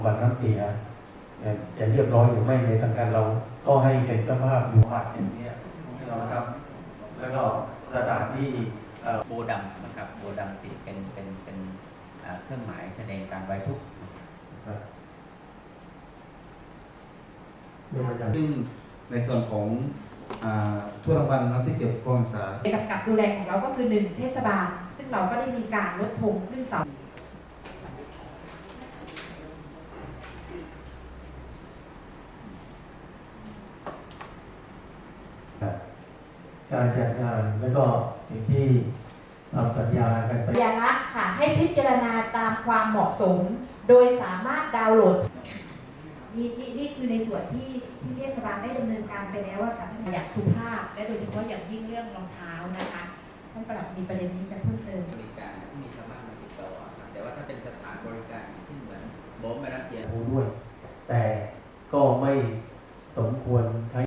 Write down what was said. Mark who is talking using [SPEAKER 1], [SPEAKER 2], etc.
[SPEAKER 1] บัตรน้ำเสียจะเรียบร้อยหรือไม่ในทางการเราก็ให้เป็นเจ้าภาพอยู่บัตรอย่างนี้นะครับแล้วก็สถานที่
[SPEAKER 2] โบดำนะครับโบดำติดเป็นเครื่องหมายแสดงการไว้ทุกข์
[SPEAKER 3] ซึ่งในส่วนของทั่วรางวัลนักที่เกี่ยวกับการศึกษา
[SPEAKER 4] กับดูแลของเราก็คือ1เทศบาลซึ่งเราก็ได้มีการลดธงขึ้นเสา
[SPEAKER 1] การจัดงานแล้วก็สิ่งที่ทำสัญญากันไป
[SPEAKER 4] สัญลักษณ์ค่ะให้พิจารณาตามความเหมาะสมโดยสามารถดาวน์โหลดนี่คือในส่วนที่เทศบาลได้ดำเนินการไปแล้วค่ะท่านอยากสุภาพและโดยเฉพาะอย่างยิ่งเรื่องรองเท้านะคะท่านปลัดมีประเด็นนี้จะเพิ่มเติม
[SPEAKER 2] บริการที่มีชาวบ้านมาติดต่อครับแต่ว่าถ้าเป็นสถานบริการเช่นเหมือนโบสถ์มารับเสีย
[SPEAKER 1] ด้วย แต่ก็ไม่สมควรใช้